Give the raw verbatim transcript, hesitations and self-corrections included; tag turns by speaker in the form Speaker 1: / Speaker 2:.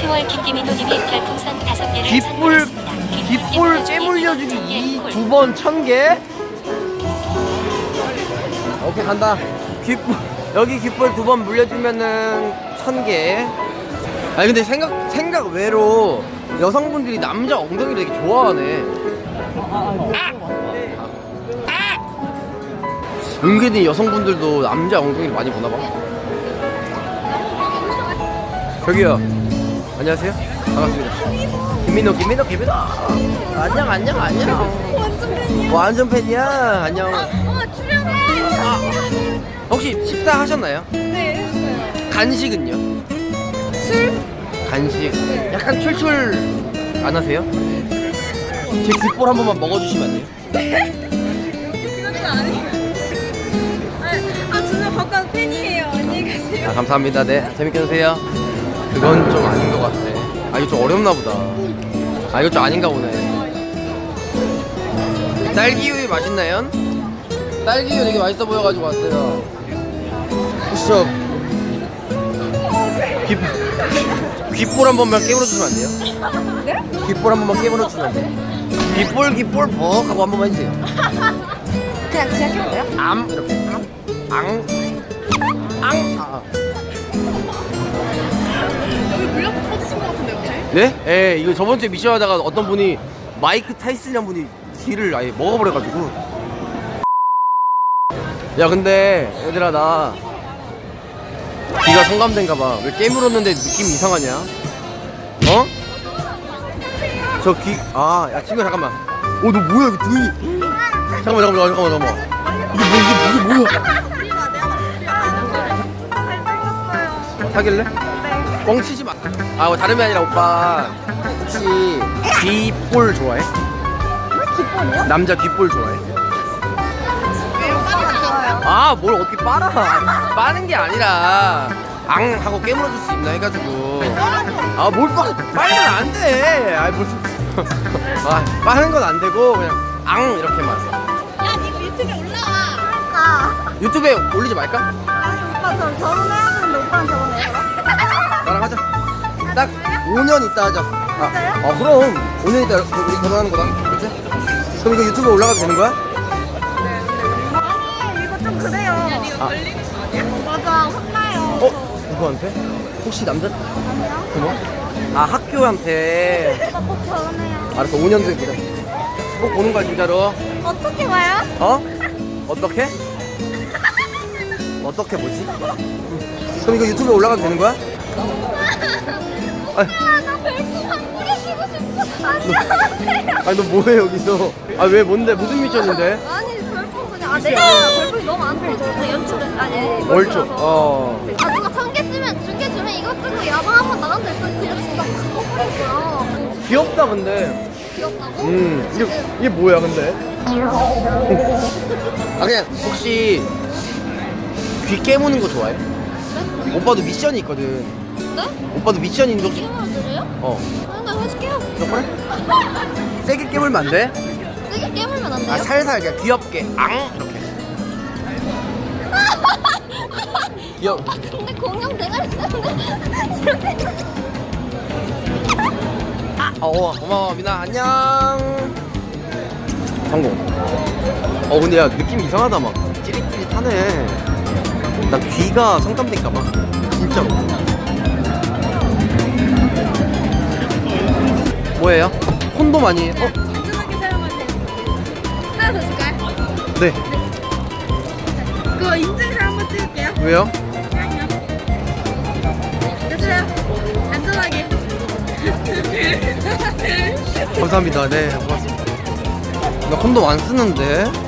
Speaker 1: 시월 김기민호님이 별풍선 다섯 개를
Speaker 2: 귓불
Speaker 1: 선물했습니다.
Speaker 2: 귓불 깨물려주기 이 두 번 천 개. 오케이 간다. 귓불 여기 귓불 두 번 물려주면은 천 개. 아니 근데 생각 생각 외로 여성분들이 남자 엉덩이를 되게 좋아하네. 아! 아! 은근히 여성분들도 남자 엉덩이를 많이 보나 봐. 저기요. 안녕하세요. 반갑습니다. 김민호, 김민호, 김민호. 안녕, 안녕, 안녕.
Speaker 3: 완전 팬이야.
Speaker 2: 완전 팬이야. 안녕.
Speaker 3: 어, 출연해.
Speaker 2: 아, 혹시 식사 하셨나요?
Speaker 3: 네, 했어요.
Speaker 2: 간식은요?
Speaker 3: 술?
Speaker 2: 간식. 약간 출출 안 하세요? 제 귓볼 한 번만 먹어주시면 안 돼요?
Speaker 3: 그런 거 아니에요. 아, 아, 진짜 바깥 팬이에요. 안녕히 가세요.
Speaker 2: 아, 감사합니다. 네, 재밌게 드세요. 그건 좀 아닌 것 같아. 아, 이거 좀 어렵나 보다. 아, 이거 좀 아닌가 보네. 딸기우유 맛있나요? 딸기우유 되게 맛있어 보여가지고 왔어요. 혹시 저 귀, 귓볼 한 번만 깨물어주시면 안 돼요?
Speaker 3: 네?
Speaker 2: 귓볼 한 번만 깨물어주시면 안 돼요? 귓볼 귓볼 벅 하고 한 번만 해주세요.
Speaker 3: 그냥, 그냥 해도 돼요?
Speaker 2: 암 이렇게 앙 앙. 아.
Speaker 3: 여기 물량도 터지신 것 같은데, 혹시?
Speaker 2: 네? 예, 이거 저번 주에 미션 하다가 어떤 분이 마이크 타이슨이란 분이 귀를 아예 먹어버려가지고. 야, 근데 얘들아 나 귀가 성감된가봐. 왜 깨물었는데 느낌이 이상하냐? 어? 저 귀, 아, 야 친구야 잠깐만. 어, 너 뭐야 이거 등이? 잠깐만 잠깐만 잠깐만 잠깐만. 이게 뭐 이게, 이게 뭐야? 사귈래? 뻥 치지 마. 아, 뭐 다름이 아니라 오빠 혹시 귓볼 좋아해?
Speaker 3: 귓볼이요?
Speaker 2: 남자 귓볼 좋아해?
Speaker 3: 좋아요.
Speaker 2: 아, 뭘 어떻게 빨아? 빠는 게 아니라 앙 하고 깨물어줄 수 있나 해가지고. 아, 뭘 빠? 빨면 안 돼. 아, 무슨? 아, 빠는 건 안 되고 그냥 앙 이렇게만.
Speaker 3: 야, 니가 유튜브에 올라와. 아,
Speaker 2: 유튜브에 올리지 말까?
Speaker 3: 오빠 저 결혼해야 되는데 오빠랑 결혼해요?
Speaker 2: 나랑 하자. 딱 오 년 있다 하자. 아,
Speaker 3: 진짜요?
Speaker 2: 아 그럼 오 년 있다 우리 결혼하는 거다. 그렇지? 그럼 이거 유튜브에 올라가도 되는 거야?
Speaker 3: 아니, 이거 좀 그래요. 야, 니가
Speaker 2: 아.
Speaker 3: 걸리는 거 아니야? 맞아, 혼나요.
Speaker 2: 어? 누구한테? 혹시 남자?
Speaker 3: 아니요.
Speaker 2: 그거? 아, 학교한테.
Speaker 3: 오빠 꼭 결혼해요.
Speaker 2: 알았어, 오 년 뒤에 보자. 꼭 보는 거야 진짜로.
Speaker 3: 어떻게 봐요?
Speaker 2: 어? 어떻게? 어떻게 보지? 그럼 이거 유튜브에 올라가도 되는 거야? 아니,
Speaker 3: 아, 나 별풍 안 뿌려주고 싶어. 안녕하세요.
Speaker 2: 아니 너 뭐해 여기서? 아 왜 뭔데? 무슨 미션인데?
Speaker 3: 아니, 별풍 그냥. 아, 내가 별풍이 너무 안 터져서 연출을. 아니,
Speaker 2: 월초. 어.
Speaker 3: 아, 누가 천 개 쓰면, 두 개 주면 이거 쓰고 야방 한번 나갔는데 또 그냥 진짜 커버렸어요.
Speaker 2: 귀엽다 근데.
Speaker 3: 귀엽다고?
Speaker 2: 음. 이게 이게 뭐야 근데? 아 그냥 혹시 귀 깨무는 거 좋아해?
Speaker 3: 네?
Speaker 2: 오빠도 미션이 있거든.
Speaker 3: 네?
Speaker 2: 오빠도 미션이 있는데 혹시?
Speaker 3: 깨물어 드려요?
Speaker 2: 어.
Speaker 3: 아, 나 해줄게요.
Speaker 2: 너 그래? 세게 깨물면 안 돼?
Speaker 3: 세게 깨물면 안 돼요?
Speaker 2: 아 살살 그냥 귀엽게 앙 이렇게. 귀엽.
Speaker 3: 아, 근데 공룡 대가리 때문에 이렇게.
Speaker 2: 어 고마워 미나 안녕. 성공. 어 근데 야 느낌 이상하다 막 찌릿찌릿하네. 나 귀가 성감될까봐 진짜로. 뭐예요? 콘돔 아니에요? 어?
Speaker 3: 안전하게 사용하세요. 하나 더 줄까요?
Speaker 2: 네.
Speaker 3: 그거 인증샷 한번 찍을게요.
Speaker 2: 왜요?
Speaker 3: 됐어요. 안전하게.
Speaker 2: 감사합니다. 네 고맙습니다. 나 콘돔 안 쓰는데.